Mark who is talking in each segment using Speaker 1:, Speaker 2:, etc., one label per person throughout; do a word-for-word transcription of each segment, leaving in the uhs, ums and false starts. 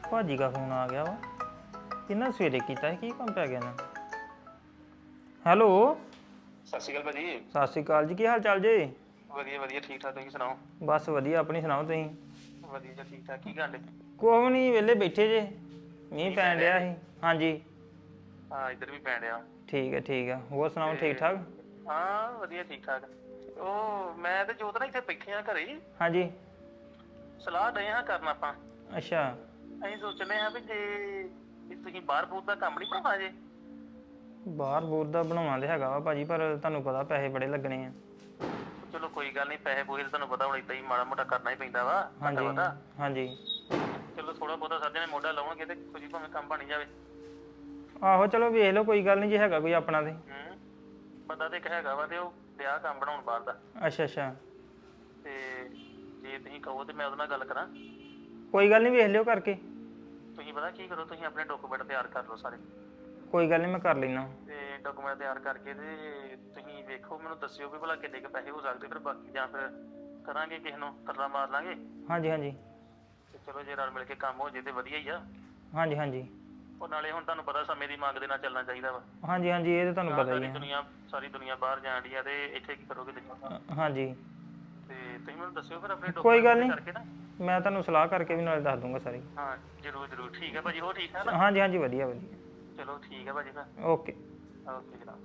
Speaker 1: ਭਾਜੀ ਦਾ ਫੋਨ ਆ ਗਿਆ ਵਾ ਇਹਨਾਂ ਸਵੇਰੇ ਕੀਤਾ ਸੀ ਕੀ ਕੰਮ ਪੈ ਗਿਆ ਨਾ। ਹੈਲੋ
Speaker 2: ਸਤਿ ਸ਼੍ਰੀ ਅਕਾਲ ਭਾਜੀ।
Speaker 1: ਸਤਿ ਸ਼੍ਰੀ ਅਕਾਲ ਜੀ, ਕੀ ਹਾਲ ਚਾਲ ਜੀ?
Speaker 2: ਵਧੀਆ ਵਧੀਆ ਠੀਕ ਠਾਕ, ਤੁਸੀਂ ਸੁਣਾਓ?
Speaker 1: ਬਸ ਵਧੀਆ, ਆਪਣੀ ਸੁਣਾਓ ਤੁਸੀਂ?
Speaker 2: ਵਧੀਆ ਜੀ ਠੀਕ ਠਾਕ। ਕੀ ਕਰਦੇ?
Speaker 1: ਕੁਛ ਵੀ ਨਹੀਂ, ਵਿਹਲੇ ਬੈਠੇ ਜੇ। ਮੀਂਹ ਪੈਣ ਡਿਆ ਸੀ। ਹਾਂਜੀ
Speaker 2: ਹਾਂ ਇੱਧਰ ਵੀ ਪੈਣ ਡਿਆ।
Speaker 1: ਠੀਕ ਹੈ ਠੀਕ ਹੈ, ਹੋਰ ਸੁਣਾਓ ਠੀਕ ਠਾਕ?
Speaker 2: ਹਾਂ ਵਧੀਆ ਠੀਕ ਠਾਕ। ਉਹ ਮੈਂ ਤੇ ਜੋਤ ਨਾ ਇੱਥੇ ਬੈਠੇ ਆ ਘਰੇ ਹੀ।
Speaker 1: ਹਾਂਜੀ
Speaker 2: ਸਲਾਹ ਡਏ ਹਾਂ ਕਰਨ ਆਪਾਂ।
Speaker 1: ਅੱਛਾ
Speaker 2: ਅਸੀਂ ਸੋਚਦੇ ਹਾਂ ਵੀ ਜੇ ਵੀ ਤੁਸੀਂ ਬਾਹਰ ਬੂਰ ਦਾ ਕੰਮ ਨਹੀਂ ਬਣਾਉਣਾ ਜੇ।
Speaker 1: ਬਾਹਰ ਬੂਰ ਦਾ ਬਣਾਉਣਾ ਤੇ ਹੈਗਾ ਵਾ ਭਾਜੀ, ਪਰ ਤੁਹਾਨੂੰ ਪਤਾ ਪੈਸੇ ਬੜੇ ਲੱਗਣੇ ਆ।
Speaker 2: ਚਲੋ ਕੋਈ ਗੱਲ ਨਹੀਂ, ਪੈਸੇ ਪੂਸੇ ਤੁਹਾਨੂੰ ਪਤਾ ਹੁਣ ਏਦਾਂ ਹੀ ਮਾੜਾ ਮੋਟਾ ਕਰਨਾ ਹੀ ਪੈਂਦਾ ਵਾ ਘੱਟਾ
Speaker 1: ਹਾਂਜੀ
Speaker 2: ਵੱਧਾ।
Speaker 1: ਹਾਂਜੀ
Speaker 2: ਚਲੋ ਥੋੜਾ ਬਹੁਤਾ ਸਾਡੇ ਨੇ ਮੋਢਾ ਲਾਉਣਗੇ ਤੇ ਕੁਝ ਭਾਵੇਂ ਕੰਮ ਬਣ ਜਾਵੇ।
Speaker 1: ਆਹੋ ਚਲੋ ਵੇਖ ਲਓ, ਕੋਈ ਗੱਲ ਨਹੀਂ ਜੇ ਹੈਗਾ ਕੋਈ ਆਪਣਾ ਤੇ।
Speaker 2: ਹੂੰ ਬੰਦਾ ਤੇ ਇੱਕ ਹੈਗਾ ਵਾ ਤੇ ਉਹ ਵਿਆਹ ਕੰਮ ਬਣਾਉਣ ਬਾਹਰ ਦਾ।
Speaker 1: ਅੱਛਾ ਅੱਛਾ
Speaker 2: ਤੇ ਜੇ ਤੁਸੀਂ ਕਹੋ ਤੇ ਮੈਂ ਉਹਦੇ ਨਾਲ ਗੱਲ ਕਰਾਂ।
Speaker 1: ਕੋਈ ਗੱਲ ਨਹੀਂ, ਵੇਖ ਲਿਓ ਕਰਕੇ।
Speaker 2: ਤੁਸੀਂ ਪਤਾ ਕੀ ਕਰੋ, ਤੁਸੀਂ ਆਪਣੇ ਡਾਕੂਮੈਂਟ ਤਿਆਰ ਕਰ ਲਓ ਸਾਰੇ।
Speaker 1: ਕੋਈ ਗੱਲ ਨਹੀਂ, ਮੈਂ ਕਰ ਲੈਣਾ।
Speaker 2: ਤੇ ਡਾਕੂਮੈਂਟ ਤਿਆਰ ਕਰਕੇ ਤੇ ਤੁਸੀਂ ਵੇਖੋ, ਮੈਨੂੰ ਦੱਸਿਓ ਵੀ ਭਲਾ ਕਿੰਨੇ ਕੁ ਪੈਸੇ ਹੋ ਸਕਦੇ, ਫਿਰ ਬਾਕੀ ਜਾਂ ਫਿਰ ਕਰਾਂਗੇ ਕਿਸੇ ਨੂੰ ਤਰਲਾ ਮਾਰ ਲਾਂਗੇ।
Speaker 1: ਹਾਂਜੀ ਹਾਂਜੀ
Speaker 2: ਤੇ ਚਲੋ ਜੇ ਰਲ ਮਿਲ ਕੇ ਕੰਮ ਹੋ ਜੇ ਤੇ ਵਧੀਆ ਹੀ ਆ।
Speaker 1: ਹਾਂਜੀ ਹਾਂਜੀ
Speaker 2: ਉਹ ਨਾਲੇ ਹੁਣ ਤੁਹਾਨੂੰ ਪਤਾ ਸਮੇਂ ਦੀ ਮੰਗ ਦੇ ਨਾਲ ਚੱਲਣਾ ਚਾਹੀਦਾ ਵਾ।
Speaker 1: ਹਾਂਜੀ ਹਾਂਜੀ ਇਹ ਤਾਂ ਤੁਹਾਨੂੰ
Speaker 2: ਨਾ
Speaker 1: ਪਤਾ ਹੀ
Speaker 2: ਸਾਰੀ
Speaker 1: ਹੈ।
Speaker 2: ਦੁਨੀਆ ਸਾਰੀ ਦੁਨੀਆ ਬਾਹਰ ਜਾਣ ਡਈ ਆ ਤੇ ਇੱਥੇ ਕੀ ਕਰੋਗੇ ਤੁਸੀਂ?
Speaker 1: ਹਾਂਜੀ
Speaker 2: ਤੇ ਤੁਸੀਂ ਮੈਨੂੰ ਦੱਸਿਓ ਫਿਰ ਆਪਣੇ
Speaker 1: ਕੋਈ
Speaker 2: ਡਾਕੂਮੈਂਟ
Speaker 1: ਗੱਲ
Speaker 2: ਪੂਰੇ
Speaker 1: ਨਹੀਂ,
Speaker 2: ਕਰਕੇ ਨਾ।
Speaker 1: ਮੈਂ ਤੁਹਾਨੂੰ ਸਲਾਹ ਕਰਕੇ ਵੀ ਨਾਲੇ ਦੱਸ ਦੂੰਗਾ ਸਾਰੀ।
Speaker 2: ਹਾਂ ਜ਼ਰੂਰ ਜ਼ਰੂਰ, ਠੀਕ ਹੈ ਭਾਜੀ। ਹੋਰ ਠੀਕ ਠਾਕ ਨਾ?
Speaker 1: ਹਾਂਜੀ ਹਾਂਜੀ ਵਧੀਆ ਵਧੀਆ।
Speaker 2: ਚਲੋ ਠੀਕ ਹੈ ਭਾਜੀ, ਫਿਰ
Speaker 1: ਓਕੇ।
Speaker 2: ਓਕੇ ਜਨਾਬ।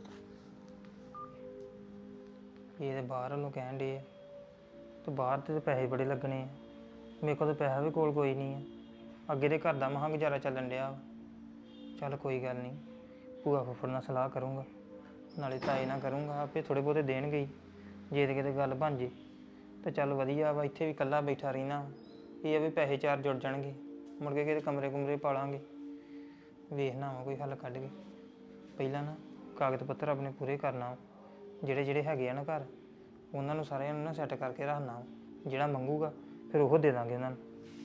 Speaker 1: ਇਹ ਤਾਂ ਬਾਹਰ ਵੱਲੋਂ ਕਹਿਣ ਡੇ ਆ ਤੇ ਬਾਹਰ ਤੇ ਪੈਸੇ ਬੜੇ ਲੱਗਣੇ ਆ। ਮੇਰੇ ਕੋਲ ਤਾਂ ਪੈਸਾ ਵੀ ਕੋਲ ਕੋਈ ਨਹੀਂ ਆ। ਅੱਗੇ ਦੇ ਘਰ ਦਾ ਮਹਾਂ ਗੁਜ਼ਾਰਾ ਚੱਲਣ ਡਿਆ। ਚੱਲ ਕੋਈ ਗੱਲ ਨਹੀਂ, ਭੂਆ ਫੁੱਫੜ ਨਾਲ ਸਲਾਹ ਕਰੂੰਗਾ, ਨਾਲੇ ਤਾਏ ਨਾਲ ਕਰੂੰਗਾ, ਆਪੇ ਥੋੜ੍ਹੇ ਬਹੁਤੇ ਦੇਣਗੇ ਹੀ। ਜੇ ਤੇ ਕਿਤੇ ਗੱਲ ਬਣ ਜੇ ਤਾਂ ਚੱਲ ਵਧੀਆ ਵਾ। ਇੱਥੇ ਵੀ ਇਕੱਲਾ ਬੈਠਾ ਰਹਿਣਾ, ਇਹ ਆ ਵੀ ਪੈਸੇ ਚਾਰ ਜੁੜ ਜਾਣਗੇ, ਮੁੜ ਕੇ ਕਿਤੇ ਕਮਰੇ ਕੁਮਰੇ ਪਾ ਲਾਂਗੇ। ਵੇਖਣਾ ਵਾ ਕੋਈ ਹੱਲ ਕੱਢ ਕੇ। ਪਹਿਲਾਂ ਨਾ ਕਾਗਜ਼ ਪੱਤਰ ਆਪਣੇ ਪੂਰੇ ਕਰਨਾ, ਜਿਹੜੇ ਜਿਹੜੇ ਹੈਗੇ ਆ ਨਾ ਘਰ, ਉਹਨਾਂ ਨੂੰ ਸਾਰਿਆਂ ਨੂੰ ਨਾ ਸੈੱਟ ਕਰਕੇ ਰੱਖਣਾ। ਜਿਹੜਾ ਮੰਗੂਗਾ ਫਿਰ ਉਹ ਦੇ ਦਾਂਗੇ ਉਹਨਾਂ ਨੂੰ।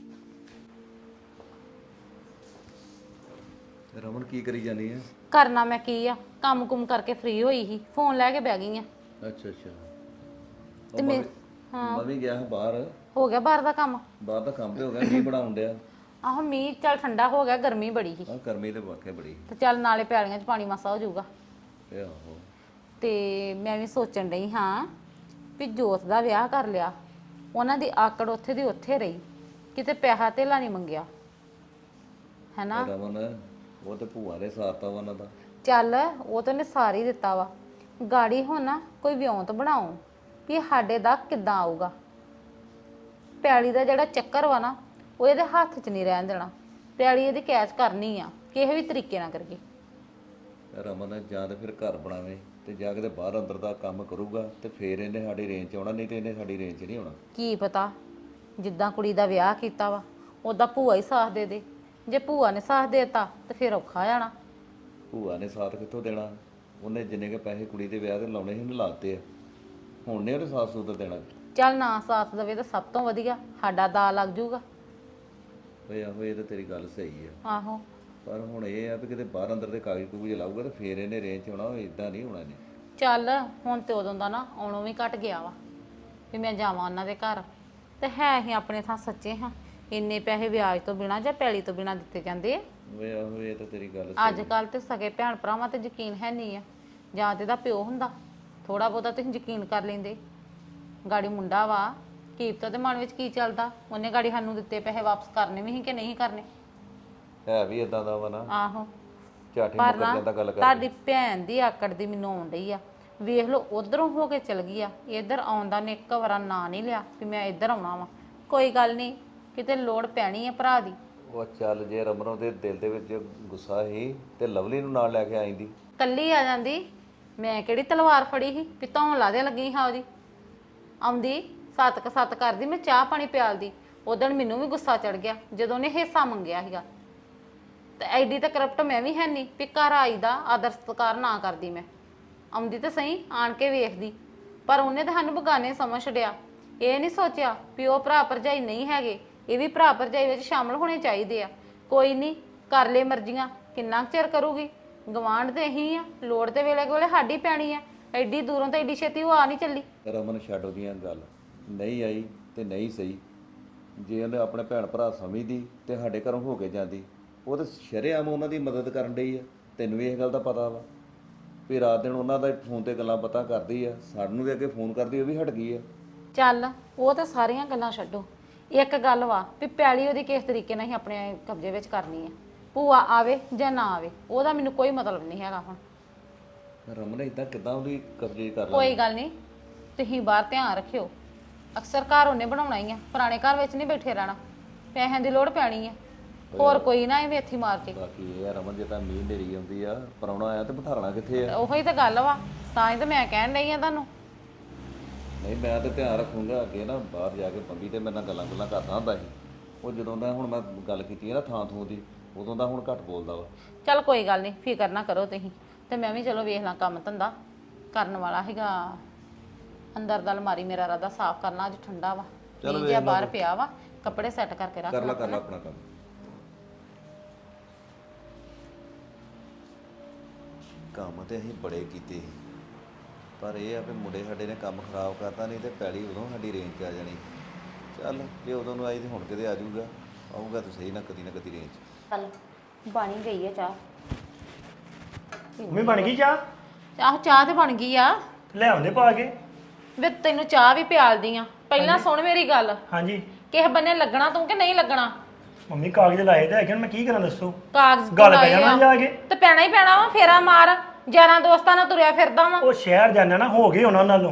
Speaker 3: ਰਮਨ ਕੀ ਕਰੀ ਜਾਨੀ ਹੈ?
Speaker 4: ਕਰਨਾ ਮੈਂ ਕੀ ਆ, ਕੰਮ ਕੁਮ ਕਰਕੇ ਫ੍ਰੀ ਹੋਈ ਸੀ, ਫੋਨ ਲੈ ਕੇ ਬਹਿ ਗਈ ਆ।
Speaker 3: ਅੱਛਾ ਅੱਛਾ।
Speaker 4: ਤੇ ਮੈਂ ਹਾਂ
Speaker 3: ਮੈਂ ਵੀ ਗਿਆ ਹਾਂ ਬਾਹਰ।
Speaker 4: ਹੋ ਗਿਆ ਬਾਹਰ ਦਾ ਕੰਮ?
Speaker 3: ਬਾਹਰ ਦਾ ਕੰਮ ਤੇ ਹੋ ਗਿਆ, ਮੀਂਹ ਬੜਾ ਆਉਣ ਡਿਆ।
Speaker 4: ਆਹੋ ਮੀਂਹ ਚੱਲ ਠੰਡਾ ਹੋ ਗਿਆ, ਗਰਮੀ ਬੜੀ ਸੀ।
Speaker 3: ਹਾਂ ਗਰਮੀ ਤੇ ਵਾਕਿਆ ਬੜੀ।
Speaker 4: ਤੇ ਚੱਲ ਨਾਲੇ ਪੈਲੀਆਂ 'ਚ ਪਾਣੀ ਮਾਸਾ ਹੋ ਜਾਊਗਾ।
Speaker 3: ਇਹ ਆਹੋ।
Speaker 4: ਤੇ ਮੈਂ ਵੀ ਸੋਚਣ ਡਈ ਹਾਂ ਵੀ ਜੋਤ ਦਾ ਵਿਆਹ ਕਰ ਲਿਆ, ਉਹਨਾਂ ਦੀ ਆਕੜ ਉੱਥੇ ਦੀ ਉੱਥੇ ਰਹੀ, ਕਿਤੇ ਪੈਸਾ ਧੇਲਾ ਨਹੀਂ ਮੰਗਿਆ, ਹੈਨਾ?
Speaker 3: ਰਮਨ ਉਹ ਤੇ ਭੂਆ ਨੇ ਸਾਰਤਾ ਵਾ ਉਹਨਾਂ ਦਾ।
Speaker 4: ਚੱਲ ਉਹ ਤਾਂ ਨੇ ਸਾਰ ਹੀ ਦਿੱਤਾ ਵਾ। ਗਾੜੀ ਹੁਣ ਨਾ ਕੋਈ ਵਿਉਂਤ ਬਣਾਓ ਵੀ ਸਾਡੇ ਦਾ ਕਿੱਦਾਂ ਆਊਗਾ। ਪੈਲੀ ਦਾ ਜਿਹੜਾ ਚੱਕਰ ਵਾ ਨਾ, ਉਹ ਇਹਦੇ ਹੱਥ 'ਚ ਨਹੀਂ ਰਹਿਣ ਦੇਣਾ। ਪੈਲੀ ਇਹਦੀ ਕੈਚ ਕਰਨੀ ਆ, ਕਿਸੇ ਵੀ ਤਰੀਕੇ ਨਾਲ ਕਰਕੇ।
Speaker 3: ਰਮਨ ਜਾਂ ਤੇ ਫਿਰ ਘਰ ਬਣਾਵੇ ਤੇ ਜਾ ਕੇ ਤੇ ਬਾਹਰ ਅੰਦਰ ਦਾ ਕੰਮ ਕਰੂਗਾ ਤੇ ਫਿਰ ਇਹਨੇ ਸਾਡੀ ਰੇਂਜ 'ਚ ਆਉਣਾ, ਨਹੀਂ ਤੇ ਇਹਨੇ ਸਾਡੀ ਰੇਂਜ 'ਚ ਨਹੀਂ ਆਉਣਾ।
Speaker 4: ਕੀ ਪਤਾ ਜਿੱਦਾਂ ਕੁੜੀ ਦਾ ਵਿਆਹ ਕੀਤਾ ਵਾ ਉੱਦਾਂ ਭੂਆ ਹੀ ਸਾਥ ਦੇ ਦੇ। ਜੇ ਭੂਆ ਨੇ ਸਾਥ ਦੇਤਾ ਤੇ ਫਿਰ ਔਖਾ ਜਾਣਾ।
Speaker 3: ਭੂਆ ਨੇ ਸਾਥ ਕਿੱਥੋਂ ਦੇਣਾ? ਉਹਨੇ ਜਿੰਨੇ ਕੇ ਪੈਸੇ ਕੁੜੀ ਦੇ ਵਿਆਹ ਤੇ ਲਾਉਣੇ ਸੀ ਉਹਨੇ ਲਾਤੇ ਆ, ਹੁਣ ਨੇ ਉਹਨੇ ਸਾਥ ਸੂਤ ਦੇਣਾ।
Speaker 4: ਚੱਲ ਨਾ ਸਾਥ ਦੇਵੇ ਤਾਂ ਸਭ ਤੋਂ ਵਧੀਆ, ਸਾਡਾ ਦਾ ਲੱਗ ਜੂਗਾ।
Speaker 3: ਓਏ ਆਹੋ ਇਹ ਤਾਂ ਤੇਰੀ ਗੱਲ ਸਹੀ ਆ,
Speaker 4: ਆਹੋ
Speaker 3: ਪਰ ਹੁਣ ਇਹ ਆ ਵੀ ਕਿਤੇ ਬਾਹਰ ਅੰਦਰ ਦੇ ਕਾਗਜ਼ ਕੂਗਜ਼ ਲਾਊਗਾ ਤੇ ਫੇਰ ਇਹਨੇ ਰੇਂਜ 'ਚ ਆਉਣਾ, ਇਦਾਂ ਨਹੀਂ ਹੋਣਾ ਇਹਨੇ।
Speaker 4: ਚੱਲ ਹੁਣ ਤੇ ਉਦੋਂ ਦਾ ਨਾ ਆਉਣੋਂ ਵੀ ਘਟ ਗਿਆ ਵਾ ਵੀ ਮੈਂ ਜਾਵਾਂ ਉਹਨਾਂ ਦੇ ਘਰ। ਤੇ ਹੈ ਅਸੀਂ ਆਪਣੇ ਥਾਂ ਸੱਚੇ ਹਾਂ, ਇੰਨੇ ਪੈਸੇ ਵਿਆਜ ਤੋਂ ਬਿਨਾਂ ਜਾਂ ਪੈਲੀ ਤੋਂ ਬਿਨਾਂ ਦਿੱਤੇ ਜਾਂਦੇ ਆ?
Speaker 3: ਓਏ ਆਹੋ ਇਹ ਤਾਂ ਤੇਰੀ ਗੱਲ
Speaker 4: ਅੱਜ
Speaker 3: ਸਹੀ।
Speaker 4: ਕੱਲ ਤੇ ਸਗੇ ਭੈਣ ਭਰਾਵਾਂ ਤੇ ਯਕੀਨ ਹੈ ਨਹੀਂ ਆ। ਜਾਂ ਤੇ ਦਾ ਪਿਓ ਹੁੰਦਾ, ਥੋੜਾ ਬਹੁਤਾ ਤੁਸੀਂ ਯਕੀਨ ਕਰ ਲੈਂਦੇ। ਗਾੜੀ ਮੁੰਡਾ ਵਾ, ਕੀਪਤਾ ਦੇ ਮਨ ਵਿੱਚ ਕੀ ਚੱਲਦਾ, ਉਹਨੇ ਗਾੜੀ ਸਾਨੂੰ ਦਿੱਤੇ ਪੈਸੇ ਵਾਪਸ ਕਰਨੇ ਵੀ ਸੀ ਕਿ ਨਹੀਂ ਕਰਨੇ।
Speaker 3: ਹੈ ਵੀ ਇਦਾਂ ਦਾ ਵਾ ਨਾ,
Speaker 4: ਆਹੋ
Speaker 3: ਝਾਟੀ
Speaker 4: ਪਰ
Speaker 3: ਮੁੱਕਰ
Speaker 4: ਨਾ
Speaker 3: ਜਾਂਦਾ ਗੱਲ ਕਰ।
Speaker 4: ਤੁਹਾਡੀ ਭੈਣ ਦੀ ਆਕੜ ਦੀ ਮੈਨੂੰ ਆਉਣ ਡਈ ਆ। ਵੇਖ ਲਓ ਉਧਰੋਂ ਹੋ ਕੇ ਚਲ ਗਈ ਆ, ਇੱਧਰ ਆਉਣ ਦਾ ਨੇ ਇੱਕ ਵਾਰਾ ਨਾਂ ਨਹੀਂ ਲਿਆ ਵੀ ਮੈਂ ਇੱਧਰ ਆਉਣਾ ਵਾ। ਕੋਈ ਗੱਲ ਨਹੀਂ, ਕਿਤੇ ਲੋੜ ਪੈਣੀ ਹੈ ਭਰਾ ਦੀ।
Speaker 3: ਉਹ ਚੱਲ ਜੇ ਰਮਨੋਂ ਦੇ ਦਿਲ ਦੇ ਵਿੱਚ ਗੁੱਸਾ ਸੀ ਤੇ ਲਵਲੀ ਨੂੰ ਨਾਲ ਲੈ ਕੇ ਆਈਂਦੀ।
Speaker 4: ਕੱਲੀ ਆ ਜਾਂਦੀ, ਮੈਂ ਕਿਹੜੀ ਤਲਵਾਰ ਫੜੀ ਸੀ ਵੀ ਧੌਣ ਲਾ ਦੇ ਲੱਗੀ ਹਾਂ ਉਹਦੀ। ਆਉਂਦੀ ਸੱਤ ਕ ਸੱਤ ਕਰਦੀ, ਮੈਂ ਚਾਹ ਪਾਣੀ ਪਿਆਲਦੀ। ਉਦਣ ਮੈਨੂੰ ਵੀ ਗੁੱਸਾ ਚੜ ਗਿਆ ਜਦੋਂ ਉਹਨੇ ਹਿੱਸਾ ਮੰਗਿਆ ਸੀਗਾ। ਤੇ ਐਡੀ ਤਾਂ ਕਰਪਟ ਮੈਂ ਵੀ ਹੈ ਨਹੀਂ ਵੀ ਘਰ ਆਈ ਦਾ ਆਦਰ ਸਤਿਕਾਰ ਨਾ ਕਰਦੀ। ਮੈਂ ਆਉਂਦੀ ਤਾਂ ਸਹੀ, ਆਣ ਕੇ ਵੇਖਦੀ, ਪਰ ਉਹਨੇ ਤਾਂ ਸਾਨੂੰ ਬਗਾਨੇ ਸਮਝ ਛੱਡਿਆ। ਇਹ ਨਹੀਂ ਸੋਚਿਆ ਵੀ ਉਹ ਭਰਾ ਭਰਜਾਈ ਨਹੀਂ ਹੈਗੇ, ਇਹ ਵੀ ਭਰਾ ਭਰਜਾਈ ਵਿੱਚ ਸ਼ਾਮਲ ਹੋਣੇ ਚਾਹੀਦੇ ਆ। ਕੋਈ ਨਹੀਂ, ਕਰ ਲੈ ਮਰਜ਼ੀਆਂ, ਕਿੰਨਾ ਕੁ ਚਿਰ ਕਰੂਗੀ। ਗਵਾਂਢ ਤੇ ਇਹੀ ਆ, ਲੋੜ ਤੇ ਵੇਲੇ ਕੋਲੇ ਸਾਡੀ ਪੈਣੀ ਆ। ਐਡੀ ਦੂਰੋਂ ਤਾਂ ਐਡੀ ਛੇਤੀ ਉਹ ਆ ਨਹੀਂ ਚੱਲੀ।
Speaker 3: ਰਮਨ ਛੱਡ ਉਹਦੀਆਂ ਗੱਲ, ਨਹੀਂ ਆਈ ਤੇ ਨਹੀਂ ਸਹੀ। ਜੇ ਉਹਨੇ ਆਪਣੇ ਭੈਣ ਭਰਾ ਸਮਝਦੀ ਤੇ ਸਾਡੇ ਘਰੋਂ ਹੋ ਕੇ ਜਾਂਦੀ। ਉਹ ਤਾਂ ਸ਼ਰੇਆਮ ਉਹਨਾਂ ਦੀ ਮਦਦ ਕਰਨ ਡਈ ਆ। ਤੈਨੂੰ ਵੀ ਇਹ ਗੱਲ ਦਾ ਪਤਾ ਵਾ ਵੀ ਰਾਤ ਦਿਨ ਉਹਨਾਂ ਦਾ ਫੋਨ ਤੇ ਗੱਲਾਂ ਪਤਾ ਕਰਦੀ ਆ। ਸਾਨੂੰ ਵੀ ਅੱਗੇ ਫੋਨ ਕਰਦੀ, ਉਹ ਵੀ ਹਟ ਗਈ ਆ।
Speaker 4: ਚੱਲ ਉਹ ਤਾਂ ਸਾਰੀਆਂ ਗੱਲਾਂ ਛੱਡੋ, ਇੱਕ ਗੱਲ ਵਾ ਵੀ ਪੈਲੀ ਉਹਦੀ ਕਿਸ ਤਰੀਕੇ ਨਾਲ ਹੀ ਆਪਣੇ ਕਬਜ਼ੇ ਵਿੱਚ ਕਰਨੀ ਹੈ। ਭੂਆ ਆਵੇ ਜਾਂ ਨਾ ਆਵੇ ਉਹਦਾ ਮੈਨੂੰ ਕੋਈ ਮਤਲਬ ਨਹੀਂ ਹੈਗਾ। ਹੁਣ
Speaker 3: ਰਮਨ ਇਦਾਂ ਕਿੱਦਾਂ ਉਹਦੀ ਕਬਜ਼ੇ ਕਰ ਲਾ?
Speaker 4: ਕੋਈ ਗੱਲ ਨਹੀਂ, ਤੁਸੀਂ ਬਾਹਰ ਧਿਆਨ ਰੱਖਿਓ। ਅਕਸਰ ਘਰ ਉਹਨੇ ਬਣਾਉਣਾ ਹੀ ਆ, ਪੁਰਾਣੇ ਘਰ ਵਿੱਚ ਨਹੀਂ ਬੈਠੇ ਰਹਿਣਾ। ਪੈਸਿਆਂ ਦੀ ਲੋੜ ਪੈਣੀ ਆ, ਹੋਰ ਕੋਈ ਨਾ ਐਵੇਂ ਇੱਥੇ ਮਾਰ ਕੇ।
Speaker 3: ਬਾਕੀ ਇਹ ਆ ਰਮਨ, ਜੇ ਤਾਂ ਮੀਂਹ ਨੇਰੀ ਆਉਂਦੀ ਆ, ਪਰਾਉਣਾ ਆਇਆ ਤੇ ਬਿਠਾਲਣਾ ਕਿੱਥੇ ਆ?
Speaker 4: ਉਹੀ ਤਾਂ ਗੱਲ ਵਾ, ਤਾਂ ਹੀ ਤਾਂ ਮੈਂ ਕਹਿਣ ਡਈ ਆ ਤੁਹਾਨੂੰ।
Speaker 3: ਨਹੀਂ ਮੈਂ ਤਾਂ ਧਿਆਨ ਰੱਖੂੰਗਾ ਅੱਗੇ ਨਾ। ਬਾਹਰ ਜਾ ਕੇ ਬੰਬੀ ਤੇ ਮੇਰੇ ਨਾਲ ਗੱਲਾਂ ਗੱਲਾਂ ਕਰਦਾ ਹੁੰਦਾ ਸੀ ਉਹ। ਜਦੋਂ ਦਾ ਹੁਣ ਮੈਂ ਗੱਲ ਕੀਤੀ ਹੈ ਨਾ ਥਾਂ ਥੂ ਦੀ, ਉਦੋਂ ਦਾ ਹੁਣ ਘੱਟ ਬੋਲਦਾ ਵਾ।
Speaker 4: ਚੱਲ ਕੋਈ ਗੱਲ ਨਹੀਂ, ਫਿਕਰ ਨਾ ਕਰੋ ਤੁਸੀਂ। ਤੇ ਮੈਂ ਵੀ ਚਲੋ ਵੇਖ ਲਾਂ ਕੰਮ ਧੰਦਾ ਕਰਨ ਵਾਲਾ ਹੈਗਾ। ਅੰਦਰ ਦਾ ਅਲਮਾਰੀ ਮੇਰਾ ਰਾਦਾ ਸਾਫ਼ ਕਰਨਾ, ਅੱਜ ਠੰਡਾ ਵਾ।
Speaker 3: ਚਲੋ
Speaker 4: ਜੇ ਬਾਹਰ ਪਿਆ ਵਾ, ਕੱਪੜੇ ਸੈੱਟ ਕਰਕੇ ਰੱਖ
Speaker 3: ਕਰ ਲਾ
Speaker 4: ਲਾ।
Speaker 3: ਕਰ ਲਾ ਆਪਣਾ ਕੰਮ। ਕੰਮ ਤੇ ਅਸੀਂ ਬੜੇ ਕੀਤੇ ਸੀ, ਪਰ ਇਹ ਆ ਵੀ ਮੁੰਡੇ ਸਾਡੇ ਨੇ ਕੰਮ ਖਰਾਬ ਕਰਤਾ। ਨਹੀਂ ਤੇ ਪੈਲੀ ਉਦੋਂ ਸਾਡੀ ਰੇਂਜ 'ਚ ਆ ਜਾਣੀ। ਚੱਲ ਜੇ ਉਦੋਂ ਨੂੰ ਆਈ ਤੇ ਹੁਣ ਕਿਤੇ ਆ ਜਾਊਗਾ। ਆਊਗਾ ਤਾਂ ਸਹੀ ਨਾ ਕਦੀ ਨਾ ਕਦੀ ਰੇਂਜ 'ਚ।
Speaker 4: ਚੱਲ ਬਣ ਹੀ ਗਈ ਆ ਚਾਹ।
Speaker 5: ਮੰਮੀ ਬਣ ਗਈ ਚਾਹ?
Speaker 4: ਆਹ ਚਾਹ ਤੇ ਬਣ ਗਈ ਆ।
Speaker 5: ਲੈ ਆਉਂਦੇ ਪਾ ਕੇ।
Speaker 4: ਵੇ ਤੈਨੂੰ ਚਾਹ ਵੀ ਪਿਆਲਦੀ ਆ। ਪਹਿਲਾਂ ਸੁਣ ਮੇਰੀ ਗੱਲ,
Speaker 5: ਹਾਂਜੀ
Speaker 4: ਕਿਸੇ ਬੰਨੇ ਲੱਗਣਾ ਤੂੰ ਕਿ ਨਹੀਂ ਲੱਗਣਾ?
Speaker 5: ਮੰਮੀ ਕਾਗਜ਼ ਲਾਏ ਤੇ ਹੈਗੇ, ਹੁਣ ਮੈਂ ਕੀ ਕਰਾਂ ਦੱਸੋ?
Speaker 4: ਕਾਗਜ਼
Speaker 5: ਗੱਲ
Speaker 4: ਲਾਏ
Speaker 5: ਪੈ ਜਾਣਾ
Speaker 4: ਆ।
Speaker 5: ਜਾ ਕੇ।
Speaker 4: ਤੇ ਪੈਣਾ ਹੀ ਪੈਣਾ ਵਾ, ਫੇਰਾ ਮਾਰ। ਯਾਰਾਂ ਦੋਸਤਾਂ ਨਾਲ ਤੁਰਿਆ ਫਿਰਦਾ ਵਾ।
Speaker 5: ਉਹ ਸ਼ਹਿਰ ਜਾਣਾ ਨਾ, ਹੋ ਗਏ ਉਹਨਾਂ ਨਾਲੋਂ।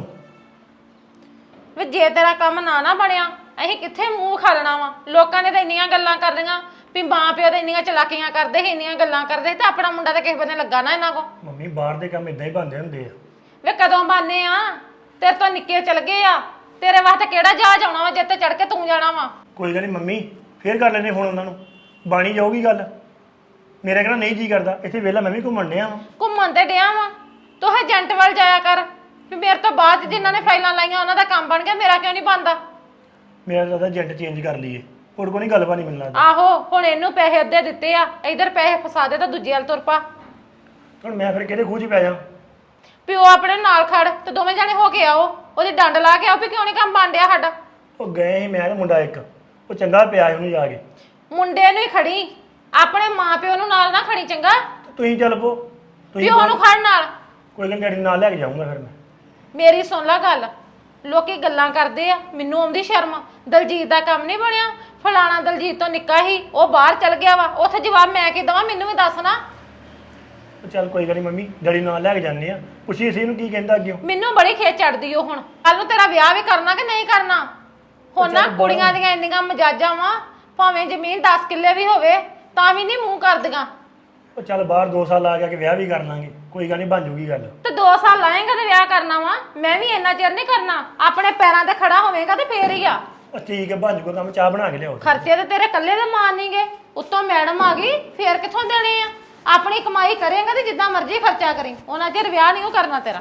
Speaker 4: ਵੇ ਜੇ ਤੇਰਾ ਕੰਮ ਨਾ ਨਾ ਬਣਿਆ, ਅਸੀਂ ਕਿੱਥੇ ਮੂੰਹ ਖਾਲਣਾ ਵਾ? ਲੋਕਾਂ ਨੇ ਤਾਂ ਇੰਨੀਆਂ ਗੱਲਾਂ ਕਰ ਲਈਆਂ ਵੀ ਮਾਂ ਪਿਓ ਤੇ ਇੰਨੀਆਂ ਚਲਾਕੀਆਂ ਕਰਦੇ ਸੀ, ਇੰਨੀਆਂ ਗੱਲਾਂ ਕਰਦੇ ਸੀ, ਤੇ ਆਪਣਾ ਮੁੰਡਾ ਤਾਂ ਕਿਸੇ ਬੰਨੇ ਲੱਗਾ ਨਾ ਇਹਨਾਂ ਕੋ।
Speaker 5: ਮੰਮੀ ਬਾਹਰ ਦੇ ਕੰਮ ਇਦਾਂ ਹੀ ਬਣਦੇ ਹੁੰਦੇ ਆ।
Speaker 4: ਵੇ ਕਦੋਂ ਬਾਨੇ ਆ? ਤੇਰੇ ਤੋਂ ਨਿੱਕੇ ਚਲ ਗਏ ਆ। ਤੇਰੇ ਵਾਸਤੇ ਕਿਹੜਾ ਜਹਾਜ਼ ਆਉਣਾ ਵਾ ਜਿੱਤੇ ਚੜ ਕੇ ਤੂੰ ਜਾਣਾ ਵਾ?
Speaker 5: ਕੋਈ ਗੱਲ ਨਹੀਂ ਮੰਮੀ, ਫੇਰ ਕਰ ਲੈਣੇ ਫੋਨ ਉਹਨਾਂ ਨੂੰ। ਬਾਣੀ ਜਾਊਗੀ ਗੱਲ। ਮੇਰਾ ਕਹਿੰਦਾ ਨਹੀਂ ਜੀ ਕਰਦਾ, ਇੱਥੇ ਵਿਹਲਾ ਮੈਂ ਵੀ ਘੁੰਮਣ ਡਿਆ ਵਾਂ।
Speaker 4: ਘੁੰਮਣ ਤੇ ਡਿਆ ਵਾ, ਤੂੰ ਏਜੰਟ ਵੱਲ ਜਾਇਆ ਕਰ ਵੀ ਮੇਰੇ ਤੋਂ ਬਾਅਦ ਜਿਨ੍ਹਾਂ ਨੇ ਫਾਈਲਾਂ ਲਾਈਆਂ ਉਹਨਾਂ ਦਾ ਕੰਮ ਬਣ ਗਿਆ, ਮੇਰਾ ਕਿਉਂ ਨਹੀਂ ਬਣਦਾ?
Speaker 5: ਮੇਰਾ ਤਾਂ ਏਜੰਟ ਚੇਂਜ ਕਰ ਲਈਏ, ਹੋਰ ਕੋਈ ਨਹੀਂ ਗੱਲਬਾਤ ਨਹੀਂ ਮੈਨੂੰ ਲੱਗਦਾ।
Speaker 4: ਆਹੋ ਹੁਣ ਇਹਨੂੰ ਪੈਸੇ ਅੱਧੇ ਦਿੱਤੇ ਆ, ਇਧਰ ਪੈਸੇ ਫਸਾ ਦੇ ਤਾਂ ਦੂਜੇ ਵੱਲ ਤੁਰ ਪਾ।
Speaker 5: ਹੁਣ ਮੈਂ ਫਿਰ ਕਿਹਦੇ ਖੂਹ 'ਚ ਪੈ ਜਾ?
Speaker 4: ਪਿਓ ਆਪਣੇ ਨਾਲ ਖੜ ਤੇ ਦੋਵੇਂ ਜਾਣੇ ਹੋ ਕੇ ਆਓ, ਉਹਦੀ ਡੰਡ ਲਾ ਕੇ ਆਓ ਵੀ ਕਿਉਂ ਨਹੀਂ ਕੰਮ ਬਣ ਡਿਆ ਸਾਡਾ।
Speaker 5: ਉਹ ਗਏ ਸੀ ਮੈਂ ਤੇ ਮੁੰਡਾ ਇੱਕ, ਉਹ ਚੰਗਾ ਪਿਆ ਉਹਨੂੰ ਜਾ ਕੇ।
Speaker 4: ਮੁੰਡੇ ਨੂੰ ਹੀ ਖੜੀ, ਆਪਣੇ ਮਾਂ ਪਿਓ ਨੂੰ ਨਾਲ ਨਾ ਖੜੀ ਚੰਗਾ।
Speaker 5: ਤੁਸੀਂ ਚੱਲ ਪੋ, ਤੁਸੀਂ
Speaker 4: ਪਿਓ ਨੂੰ ਖੜ ਨਾਲ।
Speaker 5: ਕੋਈ ਗੱਲ ਡੈਡੀ ਨਾਲ ਲੈ ਕੇ ਜਾਊਂਗਾ ਫਿਰ ਮੈਂ।
Speaker 4: ਮੇਰੀ ਸੁਣ ਲੈ ਗੱਲ, ਲੋਕੀ ਗੱਲਾਂ ਕਰਦੇ ਆ, ਮੈਨੂੰ ਆਉਂਦੀ ਸ਼ਰਮ। ਦਲਜੀਤ ਦਾ ਕੰਮ ਨਹੀਂ ਬਣਿਆ, ਫਲਾਣਾ ਦਲਜੀਤ ਤੋਂ ਨਿੱਕਾ ਹੀ, ਉਹ ਬਾਹਰ ਚਲ ਗਿਆ ਵਾ। ਉੱਥੇ ਜਵਾਬ ਮੈਂ ਕੀ ਦਵਾਂ? ਮੈਨੂੰ ਵੀ ਦੱਸ ਨਾ।
Speaker 5: ਉਹ ਚੱਲ ਕੋਈ ਗੱਲ ਨਹੀਂ ਮੰਮੀ, ਡੈਡੀ ਨਾਲ ਲੈ ਕੇ ਜਾਂਦੇ ਆ। ਪੁੱਛੀ ਸੀ ਇਹਨੂੰ ਕੀ ਕਹਿੰਦਾ ਅੱਗੇ।
Speaker 4: ਮੈਨੂੰ ਬੜੀ ਖੇਚ ਚੜਦੀ ਉਹ। ਹੁਣ ਕੱਲ ਨੂੰ ਤੇਰਾ ਵਿਆਹ ਵੀ ਕਰਨਾ ਕਿ ਨਹੀਂ ਕਰਨਾ? ਹੁਣ ਨਾ ਕੁੜੀਆਂ ਦੀਆਂ ਇੰਨੀਆਂ ਮਜਾਜਾਂ ਵਾ, ਭਾਵੇਂ ਜ਼ਮੀਨ ਦਸ ਕਿੱਲੇ ਵੀ ਹੋਵੇ ਤਾਂ ਵੀ ਨਹੀਂ ਮੂੰਹ ਕਰਦੀਆਂ।
Speaker 5: ਉਹ ਚੱਲ ਬਾਹਰ ਦੋ ਸਾਲ ਆ ਗਿਆ ਕਿ ਵਿਆਹ ਵੀ ਕਰ ਲਾਂਗੇ, ਕੋਈ ਗੱਲ ਨਹੀਂ ਬਣ ਜੂਗੀ ਗੱਲ।
Speaker 4: ਤੇ ਦੋ ਸਾਲ ਲਾਏਗਾ ਤੇ ਵਿਆਹ ਕਰਨਾ ਵਾ? ਮੈਂ ਵੀ ਇੰਨਾ ਚਿਰ ਨਹੀਂ ਕਰਨਾ। ਆਪਣੇ ਪੈਰਾਂ ਤੇ ਖੜਾ ਹੋਵੇਗਾ ਤੇ ਫੇਰ ਹੀ ਆ।
Speaker 5: ਉਹ ਠੀਕ ਹੈ ਬਣ ਜੂਗਾ ਕੰਮ, ਚਾਹ ਬਣਾ ਕੇ ਲਿਆਓ।
Speaker 4: ਖਰਚੇ ਤੇ ਤੇਰੇ ਇਕੱਲੇ ਦੇ ਮਾਰ ਨਹੀਂਗੇ, ਉੱਤੋਂ ਮੈਡਮ ਆ ਗਈ, ਫੇਰ ਕਿੱਥੋਂ ਦੇਣੇ ਆ? ਆਪਣੀ ਕਮਾਈ ਕਰੇਗਾ ਤੇ ਜਿੱਦਾਂ ਮਰਜ਼ੀ ਖਰਚਾ ਕਰੀ, ਉਹਨਾਂ ਚਿਰ ਵਿਆਹ ਨਹੀਂ ਉਹ ਕਰਨਾ ਤੇਰਾ।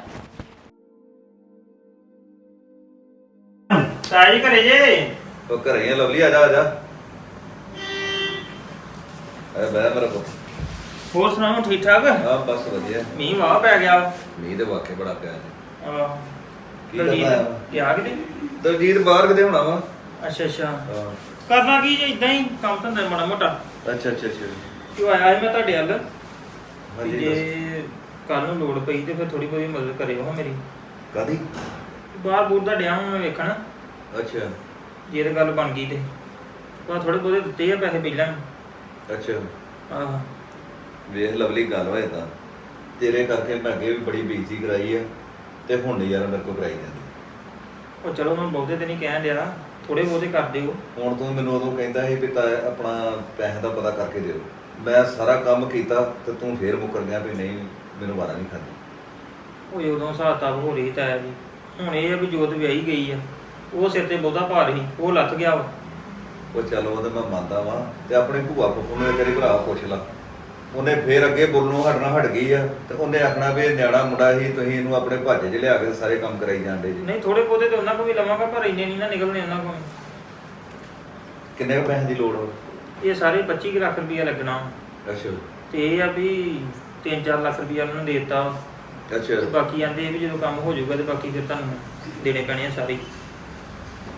Speaker 1: ਸਾਜੀ ਘਰੇ ਜੇ?
Speaker 3: ਉਹ ਘਰੇ ਆ ਲਵਲੀ, ਆ ਜਾ ਆ ਜਾ। ਅਰੇ ਬੈ ਮੇਰਾ ਪੁੱਤ।
Speaker 1: ਹੋਰ ਸੁਣਾਓ, ਠੀਕ ਠਾਕ?
Speaker 3: ਹਾਂ ਬਸ ਵਧੀਆ।
Speaker 1: ਮੀਂਹ ਵਾਹ ਪੈ ਗਿਆ ਵਾ।
Speaker 3: ਮੀਂਹ ਦੇ ਵਾਕੇ ਬੜਾ ਪਿਆ ਜੀ।
Speaker 1: ਆਹ
Speaker 3: ਕੀ ਕਰਨਾ ਆ?
Speaker 1: ਗਿਆ ਕਿਤੇ?
Speaker 3: ਦਲਜੀਤ ਬਾਹਰ ਕਿਤੇ ਹੋਣਾ ਵਾ।
Speaker 1: ਅੱਛਾ ਅੱਛਾ।
Speaker 3: ਹਾਂ
Speaker 1: ਕਰਨਾ ਕੀ ਜੇ, ਇਦਾਂ ਹੀ ਕੰਮ ਧੰਦਾ ਮਾੜਾ ਮੋਟਾ।
Speaker 3: ਅੱਛਾ ਅੱਛਾ ਅੱਛਾ।
Speaker 1: ਕਿਉਂ ਆਇਆ ਸੀ ਮੈਂ ਤੁਹਾਡੇ ਵੱਲ?
Speaker 3: ਹਾਂਜੀ
Speaker 1: ਜੇ ਕੱਲ ਨੂੰ ਲੋੜ ਪਈ ਤੇ ਫਿਰ ਥੋੜੀ ਬਹੁਤੀ ਮਦਦ ਕਰਿਓ ਹਾਂ ਮੇਰੀ।
Speaker 3: ਕਾਦੀ?
Speaker 1: ਬਾਹਰ ਬੂਰ ਦਾ ਡਿਆ ਹਾਂ ਮੈਂ ਵੇਖਣ,
Speaker 3: ਅੱਛਾ
Speaker 1: ਜੇ ਤੇ ਗੱਲ ਬਣ ਗਈ ਤੇ ਪਰ ਥੋੜੇ ਬਹੁਤੇ ਦਿੱਤੇ ਆ ਪੈਸੇ ਪਹਿਲਾਂ।
Speaker 3: ਅੱਛਾ।
Speaker 1: ਆਹ
Speaker 3: ਵੇਖ ਲਵਲੀ, ਗੱਲ ਹੋਏ ਤਾਂ ਤੇਰੇ ਕਰਕੇ ਮੈਂ ਅੱਗੇ ਵੀ ਬੜੀ ਬੇਇੱਜ਼ਤੀ ਕਰਾਈ ਆ, ਤੇ ਹੁਣ ਨਹੀਂ ਯਾਰ ਮੇਰੇ ਕੋਲ ਕਰਾਈ ਜਾਂਦੀ।
Speaker 1: ਉਹ ਚਲੋ ਮੈਂ ਬਹੁਤੇ ਤੇ ਨਹੀਂ ਕਹਿਣ ਡਿਆ, ਥੋੜੇ ਬਹੁਤੇ ਕਰ ਦਿਓ। ਹੁਣ
Speaker 3: ਤੂੰ ਮੈਨੂੰ ਉਦੋਂ ਕਹਿੰਦਾ ਸੀ ਵੀ ਤਾਂ ਆਪਣਾ ਪੈਸੇ ਦਾ ਪਤਾ ਕਰਕੇ ਦਿਓ। ਮੈਂ ਸਾਰਾ ਕੰਮ ਕੀਤਾ ਤੇ ਤੂੰ ਫੇਰ ਮੁੱਕਰ ਗਿਆ ਵੀ ਨਹੀਂ ਮੈਨੂੰ ਵਾਰਾ ਨਹੀਂ ਖਾਂਦੀ।
Speaker 1: ਉਹ ਉਦੋਂ ਹਿਸਾਬ ਕਿਤਾਬ ਹੋ ਰਹੀ ਤਾਂ ਜੀ। ਹੁਣ ਇਹ ਆ ਵੀ ਜੋਤ ਵਿਆਹੀ ਗਈ ਆ, ਉਹ ਸਿਰ ਤੇ ਬਹੁਤਾ ਭਾਰ ਸੀ, ਉਹ ਲੱਥ ਗਿਆ ਵਾ।
Speaker 3: ਉਹ ਚਲੋ ਉਹ ਤਾਂ ਮੈਂ ਮੰਨਦਾ ਵਾਂ, ਤੇ ਆਪਣੇ ਭੂਆ ਫੁੱਫੂ ਨੂੰ ਤੇਰੇ ਭਰਾ ਪੁੱਛ ਲਾ, ਉਹਨੇ ਫੇਰ ਅੱਗੇ ਬੋਲਣੋਂ ਹਟਣਾ ਹਟ ਗਈ ਆ, ਤੇ ਉਹਨੇ ਆਖਣਾ ਵੀ ਇਹ ਨਿਆਣਾ ਮੁੰਡਾ ਸੀ, ਤੁਸੀਂ ਇਹਨੂੰ ਆਪਣੇ ਭੱਜ 'ਚ ਲਿਆ ਕੇ ਸਾਰੇ ਕੰਮ ਕਰਾਈ ਜਾਂਦੇ ਜੀ।
Speaker 1: ਨਹੀਂ ਥੋੜੇ ਬਹੁਤੇ ਤੇ ਉਹਨਾਂ ਕੋਲ ਵੀ ਲਵਾਂਗਾ, ਪਰ ਇੰਨੇ ਨਹੀਂ ਨਾ ਨਿਕਲਣੇ ਉਹਨਾਂ ਕੋਲ।
Speaker 3: ਕਿੰਨੇ ਕੁ ਪੈਸੇ ਦੀ ਲੋੜ ਹੋ?
Speaker 1: ਇਹ ਸਾਰੇ ਪੱਚੀ ਕੁ ਲੱਖ ਰੁਪਈਆ ਲੱਗਣਾ।
Speaker 3: ਅੱਛਾ
Speaker 1: ਤੇ ਇਹ ਆ ਵੀ ਤਿੰਨ ਚਾਰ ਲੱਖ ਰੁਪਈਆ ਉਹਨਾਂ ਨੂੰ ਦੇ ਦਿੱਤਾ,
Speaker 3: ਅੱਛਾ।
Speaker 1: ਤੇ ਬਾਕੀ ਆਂਦੇ ਵੀ ਜਦੋਂ ਕੰਮ ਹੋ ਜਾਊਗਾ ਤੇ ਬਾਕੀ ਫਿਰ ਤੁਹਾਨੂੰ ਦੇਣੇ ਪੈਣੇ ਆ ਸਾਰੇ।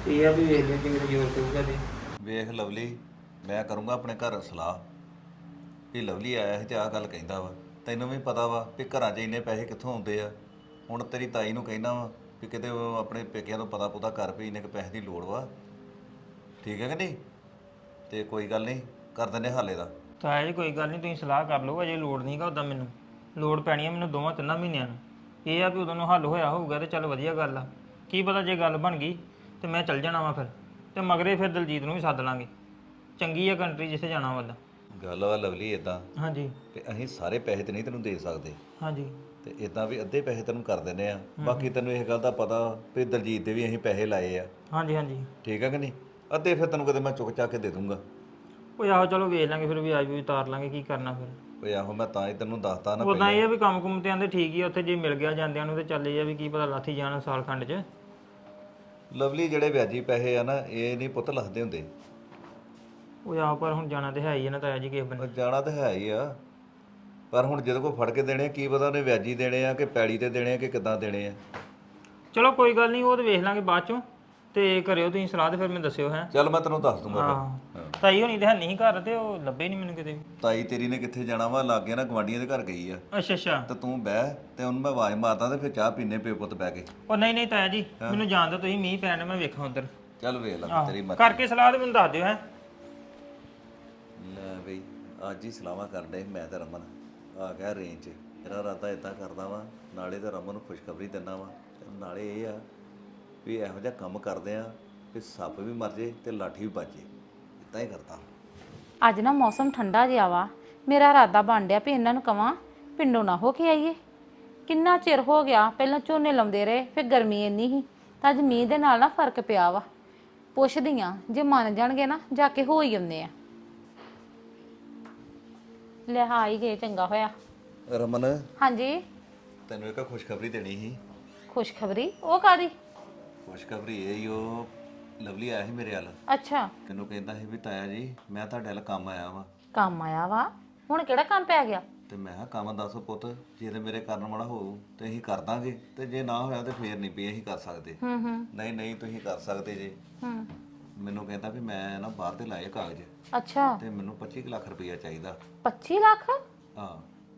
Speaker 1: ਇਹ ਆ ਵੀ ਵੇਖ ਲਿਓ ਜੇ ਮੇਰੇ ਜ਼ੋਰ ਪਊਗਾ ਤੇ
Speaker 3: ਵੇਖ ਲਵਲੀ, ਮੈਂ ਕਰੂੰਗਾ ਆਪਣੇ ਘਰ ਸਲਾਹ ਵੀ ਲਵਲੀ ਆਇਆ ਸੀ ਤੇ ਆਹ ਗੱਲ ਕਹਿੰਦਾ ਵਾ। ਤੈਨੂੰ ਵੀ ਪਤਾ ਵਾ ਵੀ ਘਰਾਂ 'ਚ ਇੰਨੇ ਪੈਸੇ ਕਿੱਥੋਂ ਆਉਂਦੇ ਆ। ਹੁਣ ਤੇਰੀ ਤਾਈ ਨੂੰ ਕਹਿਣਾ ਵਾ ਵੀ ਕਿਤੇ ਉਹ ਆਪਣੇ ਪੇਕਿਆਂ ਤੋਂ ਪਤਾ ਪੁਤਾ ਕਰ ਵੀ ਇੰਨੇ ਕੁ ਪੈਸੇ ਦੀ ਲੋੜ ਵਾ। ਠੀਕ ਹੈ ਕਿ ਨਹੀਂ? ਤੇ ਕੋਈ ਗੱਲ ਨਹੀਂ, ਕਰ ਦਿੰਦੇ ਹਾਲੇ ਦਾ।
Speaker 1: ਤਾਂ ਇਹ ਕੋਈ ਗੱਲ ਨਹੀਂ, ਤੁਸੀਂ ਸਲਾਹ ਕਰ ਲਓ, ਅਜੇ ਲੋੜ ਨਹੀਂਗਾ ਉਦਾਂ ਮੈਨੂੰ। ਲੋੜ ਪੈਣੀ ਆ ਮੈਨੂੰ ਦੋਵਾਂ ਤਿੰਨਾਂ ਮਹੀਨਿਆਂ ਨੂੰ। ਇਹ ਆ ਵੀ ਉਦੋਂ ਨੂੰ ਹੱਲ ਹੋਇਆ ਹੋਊਗਾ ਤੇ ਚੱਲ ਵਧੀਆ ਗੱਲ ਆ। ਕੀ ਪਤਾ ਜੇ ਗੱਲ ਬਣ ਗਈ ਤੇ ਮੈਂ ਚੱਲ ਜਾਣਾ ਵਾ ਫਿਰ, ਤੇ ਮਗਰੇ ਫਿਰ ਦਲਜੀਤ ਨੂੰ ਵੀ ਸੱਦ ਲਾਂਗੇ। ਚੰਗੀ ਆ ਕੰਟਰੀ ਜਿੱਥੇ ਜਾਣਾ ਵਾ।
Speaker 3: ਗੱਲ ਵਾ ਲਵਲੀ ਇਦਾਂ
Speaker 1: ਹਾਂਜੀ
Speaker 3: ਕਿ ਅਸੀਂ ਸਾਰੇ ਪੈਸੇ ਤੇ ਨਹੀਂ ਤੈਨੂੰ ਦੇ ਸਕਦੇ,
Speaker 1: ਹਾਂਜੀ
Speaker 3: ਤੇ ਇਦਾਂ ਵੀ ਅੱਧੇ ਪੈਸੇ ਤੈਨੂੰ ਕਰ ਦਿੰਦੇ ਆ। ਬਾਕੀ ਤੈਨੂੰ ਇਹ ਗੱਲ ਦਾ ਪਤਾ ਵੀ ਦਲਜੀਤ ਦੇ ਵੀ ਅਸੀਂ ਪੈਸੇ ਲਾਏ ਆ।
Speaker 1: ਹਾਂਜੀ ਹਾਂਜੀ
Speaker 3: ਠੀਕ ਹੈ ਕਿ ਨਹੀਂ? ਅੱਧੇ ਫਿਰ ਤੈਨੂੰ ਕਦੇ ਮੈਂ ਚੁੱਕ ਚਾ ਕੇ ਦੇ ਦੂੰਗਾ।
Speaker 1: ਉਹ ਆਹੋ ਚਲੋ ਵੇਖ ਲਾਂਗੇ ਫਿਰ, ਵੀ ਆਜ ਵੀ ਉਤਾਰ ਲਾਂਗੇ, ਕੀ ਕਰਨਾ ਫਿਰ।
Speaker 3: ਓਏ ਆਹੋ, ਮੈਂ ਤਾਂ ਹੀ ਤੈਨੂੰ ਦੱਸਤਾ ਨਾ
Speaker 1: ਉਦਾਂ ਇਹ ਆ ਵੀ ਕੰਮ ਕੁੰਮ ਤੇ ਆਂਦੇ ਠੀਕ ਹੀ ਆ ਉੱਥੇ, ਜੇ ਮਿਲ ਗਿਆ ਜਾਂਦਿਆਂ ਨੂੰ ਤੇ ਚੱਲ ਇਹ ਆ ਵੀ ਕੀ ਪਤਾ ਲਾਥੀ ਜਾਣ ਸਾਲ ਖੰਡ 'ਚ।
Speaker 3: ਲਵਲੀ ਜਿਹੜੇ ਵਿਆਜੀ ਪੈਸੇ ਆ ਨਾ, ਇਹ ਨਹੀਂ ਪੁੱਤ ਲੱਥਦੇ ਹੁੰਦੇ।
Speaker 1: ਉਹ ਆਹ ਪਰ ਹੁਣ ਜਾਣਾ ਤੇ ਹੈ ਹੀ ਆ ਨਾ ਤਾਇਆ ਜੀ ਕਿਸੇ
Speaker 3: ਉਹ
Speaker 1: ਬੰਨੇ।
Speaker 3: ਜਾਣਾ ਤਾਂ ਹੈ ਹੀ ਆ, ਪਰ ਹੁਣ ਜਦੋਂ ਕੋਈ ਫੜ ਕੇ ਦੇਣੇ ਆ, ਕੀ ਪਤਾ ਉਹਨੇ ਵਿਆਜੀ ਦੇਣੇ ਆ ਕਿ ਪੈੜੀ ਤੇ ਦੇਣੇ ਆ ਕਿ ਕਿੱਦਾਂ ਦੇਣੇ ਆ।
Speaker 1: ਚਲੋ ਕੋਈ ਗੱਲ ਨਹੀਂ, ਉਹ ਤੇ ਵੇਖ ਲਾਂਗੇ ਬਾਅਦ ਚੋਂ। ਤੇ ਕਰਿਓ ਤੁਸੀਂ ਸਲਾਹ ਤੇ ਫਿਰ ਮੈਨੂੰ ਦੱਸਿਓ ਹੈ।
Speaker 3: ਚੱਲ ਮੈਂ ਤੈਨੂੰ ਦੱਸ ਦੂੰਗਾ
Speaker 1: ਹਾਂ
Speaker 3: ਫਿਰ।
Speaker 1: ਤਾਈ ਹੋਣੀ ਤੇ ਹੈ ਨਹੀਂ ਘਰ, ਤੇ ਉਹ ਲੱਭੇ ਨਹੀਂ ਮੈਨੂੰ ਕਿਤੇ ਵੀ।
Speaker 3: ਤਾਈ ਤੇਰੀ ਨੇ ਕਿੱਥੇ ਜਾਣਾ ਵਾ, ਲਾਗੇ ਨਾ ਗਵਾਂਢੀਆਂ ਦੇ ਘਰ ਗਈ ਆ।
Speaker 1: ਅੱਛਾ ਅੱਛਾ।
Speaker 3: ਤੇ ਤੂੰ ਬਹਿ ਤੇ ਉਹਨੂੰ ਮੈਂ ਆਵਾਜ਼ ਮਾਰਦਾ ਤੇ ਫਿਰ ਚਾਹ ਪੀਨੇ ਪਿਓ ਪੁੱਤ ਬਹਿ ਕੇ।
Speaker 1: ਉਹ ਨਹੀਂ ਨਹੀਂ ਤਾਇਆ ਜੀ, ਮੈਨੂੰ ਜਾਣ ਦਿਓ ਤੁਸੀਂ, ਮੀਂਹ ਪੈਣ ਮੈਂ ਵੇਖਾਂ ਉਧਰ।
Speaker 3: ਚੱਲ ਵੇਖ ਲੈ
Speaker 1: ਆਹੋ,
Speaker 3: ਤੇਰੀ ਮਰਜ਼ੀ।
Speaker 1: ਕਰਕੇ ਸਲਾਹ ਤੇ ਮੈਨੂੰ ਦੱਸ ਦਿਓ ਹੈ।
Speaker 3: ਲੈ ਬਈ, ਅੱਜ ਹੀ ਸਲਾਹਾਂ ਕਰਦੇ ਮੈਂ ਤੇ ਰਮਨ ਆ ਗਿਆ ਰੇਂਜ 'ਚ। ਮੇਰਾ ਇਰਾਦਾ ਇਦਾਂ ਕਰਦਾ ਵਾ, ਨਾਲੇ ਤਾਂ ਰਮਨ ਨੂੰ ਖੁਸ਼ਖਬਰੀ ਦਿੰਦਾ ਵਾ, ਤੇ ਨਾਲੇ ਇਹ ਆ ਵੀ ਇਹੋ ਜਿਹਾ ਕੰਮ ਕਰਦੇ ਆ ਵੀ ਸੱਪ ਵੀ ਮਰ ਜੇ ਤੇ ਲਾਠੀ ਵੀ ਵੱਜੇ। ਇਦਾਂ ਹੀ ਕਰਦਾ।
Speaker 4: ਅੱਜ ਨਾ ਮੌਸਮ ਠੰਡਾ ਜਿਹਾ ਵਾ, ਮੇਰਾ ਇਰਾਦਾ ਬਣ ਡਿਆ ਵੀ ਇਹਨਾਂ ਨੂੰ ਕਵਾਂ ਪਿੰਡੋਂ ਨਾ ਹੋ ਕੇ ਆਈਏ। ਕਿੰਨਾ ਚਿਰ ਹੋ ਗਿਆ, ਪਹਿਲਾਂ ਝੋਨੇ ਲਾਉਂਦੇ ਰਹੇ, ਫਿਰ ਗਰਮੀ ਇੰਨੀ ਸੀ, ਤਾਂ ਅੱਜ ਮੀਂਹ ਦੇ ਨਾਲ ਨਾ ਫਰਕ ਪਿਆ ਵਾ। ਪੁੱਛਦੀ ਆ, ਜੇ ਮੰਨ ਜਾਣਗੇ ਨਾ ਜਾ ਕੇ ਹੋ ਹੀ ਆਉਂਦੇ ਆ। ਲੈ ਆ ਹੀ ਗਏ, ਚੰਗਾ ਹੋਇਆ।
Speaker 3: ਰਮਨ,
Speaker 4: ਹਾਂਜੀ
Speaker 3: ਤੈਨੂੰ ਇੱਕ ਖੁਸ਼ਖਬਰੀ ਦੇਣੀ ਸੀ।
Speaker 4: ਖੁਸ਼ਖਬਰੀ? ਉਹ ਕਾਦੀ?
Speaker 3: ਖੁਸ਼ਖਬਰੀ ਇਹ ਹੀ, ਉਹ ਲਵਲੀ ਆਇਆ ਸੀ ਮੇਰੇ ਵੱਲ।
Speaker 4: ਅੱਛਾ,
Speaker 3: ਤੈਨੂੰ ਕਹਿੰਦਾ ਸੀ ਵੀ ਤਾਇਆ ਜੀ ਮੈਂ ਤੁਹਾਡੇ ਵੱਲ ਕੰਮ ਆਇਆ ਵਾਂ।
Speaker 4: ਕੰਮ ਆਇਆ ਵਾ? ਹੁਣ ਕਿਹੜਾ ਕੰਮ ਪੈ ਗਿਆ?
Speaker 3: ਤੇ ਮੈਂ ਕਿਹਾ ਕੰਮ ਦੱਸ ਪੁੱਤ, ਜੇ ਤੇ ਮੇਰੇ ਕਰਨ ਵਾਲਾ ਹੋਊ ਤੇ ਅਸੀਂ ਕਰ ਦਾਂਗੇ, ਤੇ ਜੇ ਨਾ ਹੋਇਆ ਤੇ ਫੇਰ ਨਹੀਂ ਵੀ ਅਸੀਂ ਕਰ ਸਕਦੇ।
Speaker 4: ਹੂੰ ਹੂੰ
Speaker 3: ਨਹੀਂ ਨਹੀਂ ਤੁਸੀਂ ਕਰ ਸਕਦੇ ਜੇ।
Speaker 4: ਹੂੰ
Speaker 3: ਮੈਨੂੰ ਕਹਿੰਦਾ ਵੀ ਮੈਂ ਨਾ ਬਾਹਰ ਦੇ ਲਾਏ ਕਾਗਜ਼,
Speaker 4: ਅੱਛਾ,
Speaker 3: ਤੇ ਮੈਨੂੰ ਪੱਚੀ ਕੁ ਲੱਖ ਰੁਪਈਆ ਚਾਹੀਦਾ।
Speaker 4: ਪੱਚੀ ਲੱਖ?
Speaker 3: ਹਾਂ।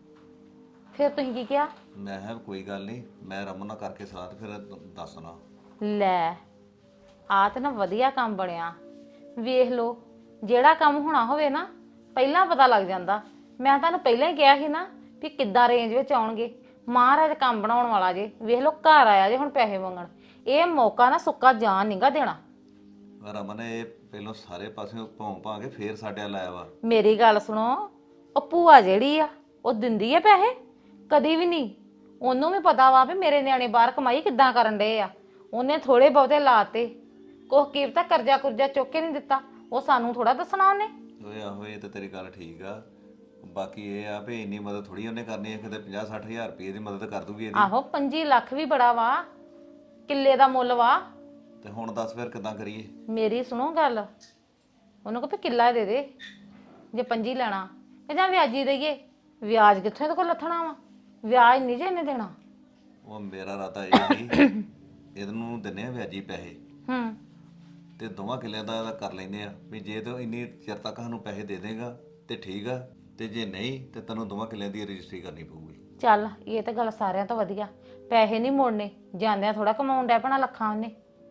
Speaker 4: ਫਿਰ ਤੁਸੀਂ ਕੀ ਕਿਹਾ?
Speaker 3: ਮੈਂ ਕਿਹਾ ਕੋਈ ਗੱਲ ਨਹੀਂ, ਮੈਂ ਰਮਨ ਨਾਲ ਕਰਕੇ ਸਲਾਹ ਤੇ ਫਿਰ ਦੱਸਣਾ।
Speaker 4: ਲੈ ਆ ਤੇ ਨਾ ਵਧੀਆ ਕੰਮ ਬਣਿਆ। ਵੇਖ ਲੋ, ਜਿਹੜਾ ਕੰਮ ਹੋਣਾ ਹੋਵੇ ਨਾ ਪਹਿਲਾਂ ਪਤਾ ਲੱਗ ਜਾਂਦਾ। ਮੈਂ ਤੁਹਾਨੂੰ ਪਹਿਲਾਂ ਹੀ ਕਿਹਾ ਸੀ ਨਾ ਵੀ ਕਿੱਦਾਂ ਰੇਂਜ ਵਿੱਚ ਆਉਣਗੇ। ਮਹਾਰਾਜ ਕੰਮ ਬਣਾਉਣ ਵਾਲਾ ਜੇ। ਵੇਖ ਲੋ ਘਰ ਆਇਆ ਜੇ ਹੁਣ ਪੈਸੇ ਮੰਗਣ। ਇਹ ਮੌਕਾ ਨਾ ਸੁੱਕਾ ਜਾਣ ਨਹੀਂਗਾ ਦੇਣਾ।
Speaker 3: ਰਮਨ ਇਹ ਪਹਿਲਾਂ ਸਾਰੇ ਪਾਸੇ ਭੌਂ ਭਾ ਕੇ ਫੇਰ ਸਾਡੇ ਵੱਲ ਆਇਆ ਵਾ।
Speaker 4: ਮੇਰੀ ਗੱਲ ਸੁਣੋ, ਉਹ ਭੂਆ ਜਿਹੜੀ ਆ ਉਹ ਦਿੰਦੀ ਆ ਪੈਸੇ? ਕਦੀ ਵੀ ਨਹੀਂ। ਉਹਨੂੰ ਵੀ ਪਤਾ ਵਾ ਵੀ ਮੇਰੇ ਨਿਆਣੇ ਬਾਹਰ ਕਮਾਈ ਕਿੱਦਾਂ ਕਰਨ ਡਏ ਆ। ਉਹਨੇ ਥੋੜੇ ਬਹੁਤੇ ਲਾਤੇ, ਕੁਛ ਕੀਮਤਾਂ ਕਰਜ਼ਾ ਕੁਰਜ਼ਾ ਚੁੱਕ ਕੇ ਨਹੀਂ ਦਿੱਤਾ। ਉਹ ਸਾਨੂੰ ਥੋੜਾ ਦੱਸਣਾ ਉਹਨੇ।
Speaker 3: ਓਏ ਆਹੋ, ਇਹ ਤੇ ਤੇਰੀ ਗੱਲ ਠੀਕ ਆ। ਬਾਕੀ ਇਹ ਆ ਵੀ ਇੰਨੀ ਮਦਦ ਥੋੜੀ ਉਹਨੇ ਕਰਨੀ ਹੈ, ਕਿਤੇ ਪੰਜਾਹ ਸੱਠ ਹਜ਼ਾਰ ਰੁਪਏ ਦੀ ਮਦਦ ਕਰ ਦੂਗੀ ਇਹਦੀ।
Speaker 4: ਆਹੋ, ਪੰਜੀ ਲੱਖ ਵੀ ਬੜਾ ਵਾ, ਕਿੱਲੇ ਦਾ ਮੁੱਲ ਵਾ।
Speaker 3: ਤੇ ਹੁਣ ਦੱਸ ਫਿਰ ਕਿੱਦਾਂ ਕਰੀਏ?
Speaker 4: ਮੇਰੀ ਸੁਣੋ ਗੱਲ, ਉਹਨੂੰ ਕਹੋ ਵੀ ਕਿੱਲਾ ਦੇ ਦੇ ਜੇ ਪੰਜੀ ਲੈਣਾ, ਤੇ ਜਾਂ ਵਿਆਜੀ ਦੇਈਏ। ਵਿਆਜ ਕਿੱਥੋਂ ਇਹਦੇ ਕੋਲ ਲੱਥਣਾ ਵਾ? ਵਿਆਜ ਨਹੀਂ ਜੇ ਇਹਨੇ ਦੇਣਾ।
Speaker 3: ਉਹ ਮੇਰਾ ਇਰਾਦਾ ਇਹ ਸੀ ਇਹਨੂੰ ਦਿੰਨੇ ਆ ਵਿਆਜੀ ਪੈਸੇ,
Speaker 4: ਹੂੰ
Speaker 3: ਤੇ ਦੋਵਾਂ ਕਿੱਲਿਆਂ ਦਾ ਇਹਦਾ ਕਰ ਲੈਂਦੇ ਆ ਵੀ ਜੇ ਤੂੰ ਇੰਨੀ ਚਿਰ ਤੱਕ ਸਾਨੂੰ ਪੈਸੇ ਦੇ ਦੇਗਾ ਤੇ ਠੀਕ ਆ, ਤੇ ਜੇ ਨਹੀਂ ਤੇ ਤੈਨੂੰ ਦੋਵਾਂ ਕਿੱਲਿਆਂ ਦੀ ਰਜਿਸਟਰੀ ਕਰਨੀ ਪਊਗੀ।
Speaker 4: ਚੱਲ, ਇਹ ਤਾਂ ਗੱਲ ਸਾਰਿਆਂ ਤੋਂ ਵਧੀਆ। ਪੈਸੇ ਨਹੀਂ ਮੋੜਨੇ, ਜਾਂਦਿਆਂ ਥੋੜਾ ਕਮਾਉਣ ਡੈ ਪੈਣਾ ਲੱਖਾਂ ਉਹਨੇ।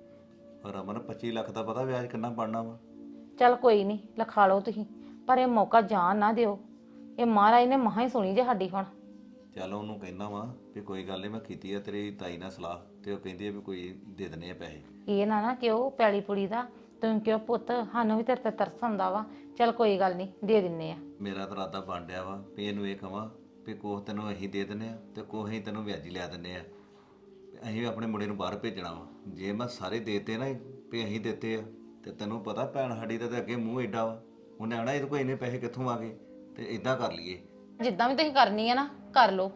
Speaker 3: ਪਰ ਅਮਨ ਪੱਚੀ ਲੱਖ ਦਾ ਪਤਾ ਵਿਆਜ ਕਿੰਨਾ ਬਣਨਾ ਵਾ?
Speaker 4: ਚੱਲ ਕੋਈ ਨਹੀਂ, ਲਿਖਾ ਲਓ ਤੁਸੀਂ, ਪਰ ਇਹ ਮੌਕਾ ਜਾਣ ਨਾ ਦਿਓ। ਇਹ ਮਹਾਰਾਜ ਨੇ ਮਹਾ ਹੀ ਸੁਣੀ ਜੇ ਸਾਡੀ ਹੁਣ।
Speaker 3: ਚੱਲ ਉਹਨੂੰ ਕਹਿੰਦਾ ਵਾ ਵੀ ਕੋਈ ਗੱਲ ਨਹੀਂ, ਮੈਂ ਕੀਤੀ ਆ ਤੇਰੀ ਤਾਈ ਨਾਲ ਸਲਾਹ, ਤੇ ਉਹ ਕਹਿੰਦੀ ਆ ਵੀ ਕੋਈ ਦੇ ਦਿੰਨੇ ਆ ਪੈਸੇ।
Speaker 4: ਇਹ ਨਾ ਨਾ ਕਿਉਂ ਪੈਲੀ ਪੁੜੀ ਦਾ, ਤੂੰ ਕਿਉਂ ਪੁੱਤ, ਸਾਨੂੰ ਵੀ ਤੇਰੇ ਤੇ ਤਰਸ ਆਉਂਦਾ ਵਾ। ਚੱਲ ਕੋਈ ਗੱਲ ਨਹੀਂ, ਦੇ ਦਿੰਨੇ ਆ।
Speaker 3: ਮੇਰਾ ਤਾਂ ਇਰਾਦਾ ਬਣ ਡਿਆ ਵਾ ਵੀ ਇਹਨੂੰ ਇਹ ਕਵਾਂ ਵੀ ਕੋਹ ਤੈਨੂੰ ਅਸੀਂ ਦੇ ਦਿੰਨੇ ਆ ਤੇ ਕੋਹ ਅਸੀਂ ਤੈਨੂੰ ਵਿਆਜੀ ਲਿਆ ਦਿੰਨੇ ਆ। ਅਸੀਂ ਵੀ ਆਪਣੇ ਮੁੰਡੇ ਨੂੰ ਬਾਹਰ ਭੇਜਣਾ ਵਾ। ਜੇ ਮੈਂ ਸਾਰੇ ਦੇਤੇ ਨਾ ਵੀ ਅਸੀਂ ਦਿੱਤੇ ਆ, ਤੇ ਤੈਨੂੰ ਪਤਾ ਭੈਣ ਸਾਡੀ ਦਾ ਤਾਂ ਅੱਗੇ ਮੂੰਹ ਏਡਾ ਵਾ, ਉਹਨੇ ਆਣਾ ਇਹਦੇ ਕੋਲ ਇੰਨੇ ਪੈਸੇ ਕਿੱਥੋਂ ਆ ਗਏ, ਤੇ ਇਦਾਂ ਕਰ ਲਈਏ।
Speaker 4: ਜਿੱਦਾਂ ਵੀ ਤੁਸੀਂ ਕਰਨੀ ਆ ਨਾ ਕਰ ਲਓ।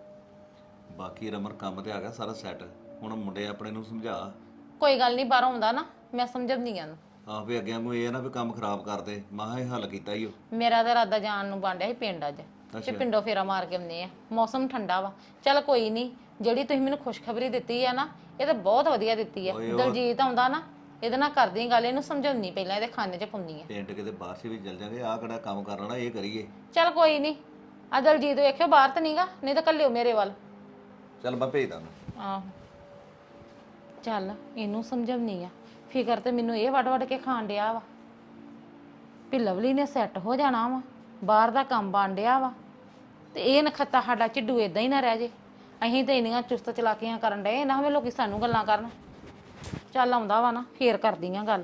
Speaker 3: ਬਾਕੀ ਰਮਨ ਕੰਮ ਤੇ ਆ ਗਿਆ ਸਾਰਾ ਸੈੱਟ। ਹੁਣ ਮੁੰਡੇ ਆਪਣੇ ਨੂੰ ਸਮਝਾ।
Speaker 4: ਕੋਈ ਗੱਲ ਨਹੀਂ, ਬਾਹਰੋਂ ਆਉਂਦਾ ਨਾ ਮੈਂ ਸਮਝਾਉਂਦੀ ਆ।
Speaker 3: ਆਹ ਵੀ ਅੱਗੇ ਨੂੰ ਇਹ ਨਾ ਵੀ ਕੰਮ ਖਰਾਬ ਕਰਦੇ, ਮਾਹ ਇਹ ਹੱਲ ਕੀਤਾ ਹੀ ਉਹ।
Speaker 4: ਮੇਰਾ ਤਾਂ ਇਰਾਦਾ ਜਾਣ ਨੂੰ ਬਣ ਡਿਆ ਸੀ ਪਿੰਡ ਅੱਜ, ਤੇ ਪਿੰਡੋਂ ਫੇਰਾ ਮਾਰ ਕੇ ਆਉਂਦੇ ਆ। ਮੌਸਮ ਠੰਡਾ ਵਾ। ਚੱਲ ਕੋਈ ਨਹੀਂ, ਜਿਹੜੀ ਤੁਸੀਂ ਮੈਨੂੰ ਖੁਸ਼ਖਬਰੀ ਦਿੱਤੀ ਆ ਨਾ, ਇਹ ਤਾਂ ਬਹੁਤ ਵਧੀਆ ਦਿੱਤੀ ਆ। ਦਲਜੀਤ ਆਉਂਦਾ ਨਾ ਇਹਦੇ ਨਾਲ ਕਰਦੀ ਗੱਲ, ਇਹਨੂੰ ਸਮਝਾਉਣੀ ਪਹਿਲਾਂ, ਇਹਦੇ ਖਾਨੇ 'ਚ ਪਾਉਂਦੀ ਆ।
Speaker 3: ਪਿੰਡ ਕਿਤੇ ਬਾਹਰ ਸੇ ਵੀ ਚੱਲ ਜਾਂਗੇ, ਆਹ ਕਿਹੜਾ ਕੰਮ ਕਰ ਲੈਣਾ, ਇਹ ਕਰੀਏ।
Speaker 4: ਚੱਲ ਕੋਈ ਨਹੀਂ, ਆ ਦਲਜੀਤ ਵੇਖਿਓ ਬਾਹਰ ਤਾਂ ਨਹੀਂਗਾ, ਨਹੀਂ ਤਾਂ ਕੱਲਿਓ ਮੇਰੇ ਵੱਲ।
Speaker 3: ਚੱਲ ਮੈਂ ਭੇਜਦਾ ਉਹਨੂੰ।
Speaker 4: ਆਹੋ ਚੱਲ ਇਹਨੂੰ ਸਮਝਾਉਣੀ ਆ। ਫਿਕਰ ਤੇ ਮੈਨੂੰ ਇਹ ਵੱਡ ਵੱਡ ਕੇ ਖਾਣ ਡਿਆ ਵਾ ਵੀ ਲਵਲੀ ਨੇ ਸੈੱਟ ਹੋ ਜਾਣਾ ਵਾ, ਬਾਹਰ ਦਾ ਕੰਮ ਬਣ ਡਿਆ ਵਾ, ਤੇ ਇਹ ਨਖੱਤਾ ਸਾਡਾ ਝਿੱਡੂ ਇਦਾਂ ਹੀ ਨਾ ਰਹਿ ਜੇ। ਅਸੀਂ ਤਾਂ ਇੰਨੀਆਂ ਚੁਸਤ ਚਲਾਕੀਆਂ ਕਰਨ ਡਏ ਨਾ, ਹੋਵੇ ਲੋਕੀ ਸਾਨੂੰ ਗੱਲਾਂ ਕਰਨ। ਚੱਲ ਆਉਂਦਾ ਵਾ ਨਾ ਫੇਰ ਕਰਦੀਆਂ ਗੱਲ।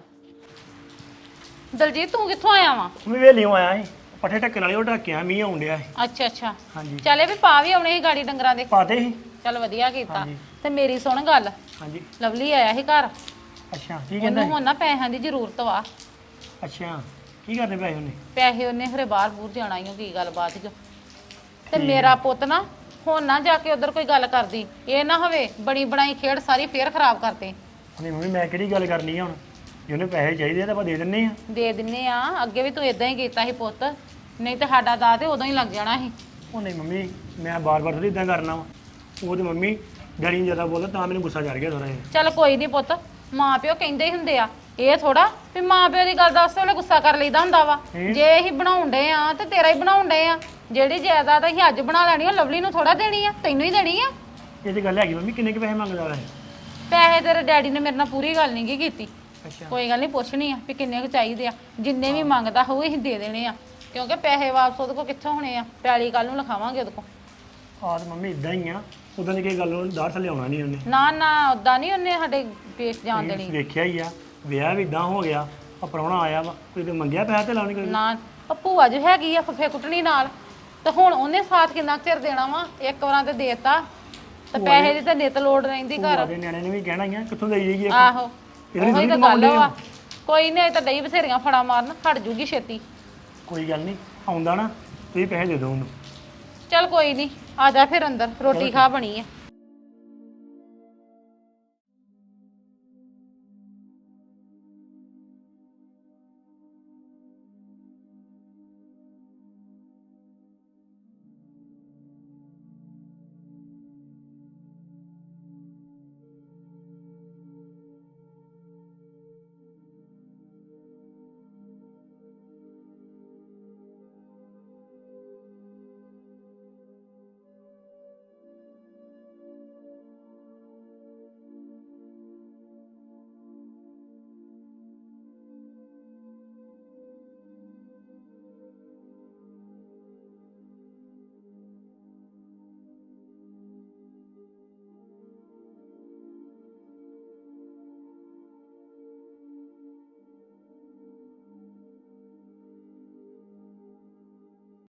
Speaker 4: ਦਲਜੀਤ ਤੂੰ ਕਿੱਥੋਂ ਆਇਆ ਵਾ?
Speaker 5: ਮੈਂ ਵੇਲੀਓ ਆਇਆ ਸੀ, ਪੱਠੇ ਢੱਕਣ ਵਾਲੇ ਉਹ ਢੱਕਿਆ, ਮੀਂਹ ਆਉਣ ਡਿਆ ਸੀ।
Speaker 4: ਅੱਛਾ ਅੱਛਾ
Speaker 5: ਹਾਂਜੀ
Speaker 4: ਚੱਲੇ ਵੀ ਪਾ ਵੀ ਆਉਣੇ ਸੀ ਗਾੜੀ ਡੰਗਰਾਂ ਦੇ।
Speaker 5: ਪਾਤੇ ਸੀ।
Speaker 4: ਚੱਲ ਵਧੀਆ ਕੀਤਾ।
Speaker 5: ਹਾਂਜੀ।
Speaker 4: ਤੇ ਮੇਰੀ ਸੁਣ ਗੱਲ,
Speaker 5: ਹਾਂਜੀ
Speaker 4: ਲਵਲੀ ਆਇਆ ਸੀ ਘਰ,
Speaker 5: ਅੱਛਾ ਕੀ ਕਹਿੰਦਾ
Speaker 4: ਉਹਨੂੰ ਹੁਣ ਨਾ ਪੈਸਿਆਂ ਦੀ ਜ਼ਰੂਰਤ ਵਾ।
Speaker 5: ਅੱਛਾ ਕੀ ਕਰਦੇ ਪਏ ਉਹਨੇ?
Speaker 4: ਪੈਸੇ ਉਹਨੇ ਖਰੇ ਬਾਹਰ ਬੂਰ ਜਾਣਾ ਹੀ ਕੀ ਗੱਲ ਬਾਤ ਜੋ। ਤੇ ਮੇਰਾ ਪੁੱਤ ਨਾ ਹੁਣ ਨਾ ਜਾ ਕੇ ਉਧਰ ਕੋਈ ਗੱਲ ਕਰਦੀ, ਇਹ ਨਾ ਹੋਵੇ ਬਣੀ ਬਣਾਈ ਖੇਡ ਸਾਰੀ ਫੇਰ ਖਰਾਬ ਕਰਤੇ।
Speaker 5: ਨਹੀਂ ਮੰਮੀ ਮੈਂ ਕਿਹੜੀ ਗੱਲ ਕਰਨੀ ਆ ਹੁਣ, ਜੇ ਉਹਨੇ ਪੈਸੇ ਚਾਹੀਦੇ ਆ ਤਾਂ ਆਪਾਂ ਦੇ ਦਿੰਨੇ ਆ।
Speaker 4: ਦੇ ਦਿੰਨੇ ਆ, ਅੱਗੇ ਵੀ ਤੂੰ ਇਦਾਂ ਹੀ ਕੀਤਾ ਸੀ ਪੁੱਤ, ਨਹੀਂ ਤੇ ਸਾਡਾ ਦਾ ਤੇ ਉਦੋਂ ਹੀ ਲੱਗ ਜਾਣਾ ਸੀ।
Speaker 5: ਉਹ ਨਹੀਂ ਮੰਮੀ ਮੈਂ ਬਾਰ-ਬਾਰ ਥੋੜੀ ਇਦਾਂ ਕਰਨਾ ਵਾ, ਉਹ ਤੇ ਮੰਮੀ ਡੈਡੀ ਨੂੰ ਜ਼ਿਆਦਾ ਬੋਲਦਾ ਤਾਂ ਮੈਨੂੰ ਗੁੱਸਾ ਚੜ ਗਿਆ ਥੋੜਾ ਜਿਹਾ।
Speaker 4: ਚੱਲ ਕੋਈ ਨਹੀਂ ਪੁੱਤ, ਮਾਂ ਪਿਓ ਕਹਿੰਦੇ ਹੀ ਹੁੰਦੇ ਆ, ਇਹ ਥੋੜਾ ਵੀ ਮਾਂ ਪਿਓ ਦੀ ਗੱਲ ਦੱਸ ਵੇਲੇ ਗੁੱਸਾ ਕਰ ਲਈਦਾ ਹੁੰਦਾ ਵਾ। ਜੇ ਅਸੀਂ ਬਣਾਉਣ ਡਏ ਆ ਤੇ ਤੇਰਾ ਹੀ ਬਣਾਉਣ ਡਏ ਆ, ਜਿਹੜੀ ਜਾਇਦਾਦ ਅਸੀਂ ਅੱਜ ਬਣਾ ਲੈਣੀ ਆ ਲਵਲੀ ਨੂੰ ਥੋੜਾ ਦੇਣੀ ਆ, ਤੈਨੂੰ ਹੀ ਦੇਣੀ ਆ।
Speaker 5: ਇਹ ਤੇ ਗੱਲ ਹੈਗੀ ਮੰਮੀ, ਕਿੰਨੇ ਕੁ ਪੈਸੇ ਮੰਗਦਾ ਵਾ ਇਹ?
Speaker 4: ਪੈਸੇ ਤੇਰੇ ਡੈਡੀ ਨੇ ਮੇਰੇ ਨਾਲ ਪੂਰੀ ਗੱਲ ਨਹੀਂ ਕੀਤੀ।
Speaker 5: ਅੱਛਾ
Speaker 4: ਕੋਈ ਗੱਲ ਨਹੀਂ, ਪੁੱਛਣੀ ਆ ਵੀ ਕਿੰਨੇ ਕੁ ਚਾਹੀਦੇ ਆ, ਜਿੰਨੇ ਵੀ ਮੰਗਦਾ ਹੋਊ ਅਸੀਂ ਦੇ ਦੇਣੇ ਆ, ਕਿਉਂਕਿ ਪੈਸੇ ਵਾਪਸ ਉਹਦੇ ਕੋਲ ਕਿੱਥੋਂ ਹੋਣੇ ਆ, ਪੈਲੀ ਕੱਲ ਨੂੰ ਲਿਖਾਵਾਂਗੇ ਉਹਦੇ ਕੋਲ।
Speaker 5: ਆਹ ਤੇ ਮੰਮੀ ਇਦਾਂ ਹੀ ਆ, ਉਦਾਂ ਦੀ ਕੋਈ ਗੱਲ ਉਹਨੂੰ ਦਾੜ ਥੱਲੇ ਆਉਣਾ ਨਹੀਂ ਉਹਨੇ।
Speaker 4: ਨਾ ਨਾ ਉਦਾਂ ਨਹੀਂ ਉਹਨੇ ਸਾਡੇ ਪੇਸ਼ ਜਾਣ ਦੇਣੀ।
Speaker 5: ਵੇਖਿਆ ਹੀ ਆ, ਵਿਆਹ ਵੀ ਇਦਾਂ ਹੋ ਗਿਆ, ਆ ਪ੍ਰਾਹੁਣਾ ਆਇਆ ਵਾ, ਕੋਈ ਤੇ ਮੰਗਿਆ ਪੈਸੇ ਤੇ ਲਾਉਣੀ ਕੋਈ।
Speaker 4: ਨਾ ਉਹ ਭੂਆ ਜੋ ਹੈਗੀ ਆ ਫਫੇ ਕੁੱਟਣੀ ਨਾਲ, ਤੇ ਹੁਣ ਉਹਨੇ ਸਾਥ ਕਿੰਨਾ ਕੁ ਚਿਰ ਦੇਣਾ ਵਾ, ਇੱਕ ਵਾਰਾਂ ਤੇ ਦੇਤਾ ਤੇ ਪੈਸੇ ਦੀ ਤਾਂ ਨਿਤ ਲੋੜ ਰਹਿੰਦੀ ਘਰ।
Speaker 5: ਉਹਦੇ ਨਿਆਣੇ ਨੇ ਵੀ ਕਹਿਣਾ ਹੀ ਆ, ਕਿੱਥੋਂ ਦੇਈ ਜਾਈਏ।
Speaker 4: ਆਹੋ
Speaker 5: ਇਹਦੇ
Speaker 4: ਉਹੀ ਤਾਂ ਗੱਲ ਵਾ, ਕੋਈ ਨਹੀਂ ਤਾਂ ਡਈ ਬਥੇਰੀਆਂ ਫੜਾ ਮਾਰਨ, ਹਟ ਜੂਗੀ ਛੇਤੀ।
Speaker 5: ਕੋਈ ਗੱਲ ਨਹੀਂ, ਆਉਂਦਾ ਨਾ ਤੁਸੀਂ ਪੈਸੇ ਦੇ ਦਿਓ ਉਹਨੂੰ।
Speaker 4: ਚੱਲ ਕੋਈ ਨਹੀਂ, ਆ ਜਾ ਫਿਰ ਅੰਦਰ, ਰੋਟੀ ਖਾ ਬਣੀ ਆ।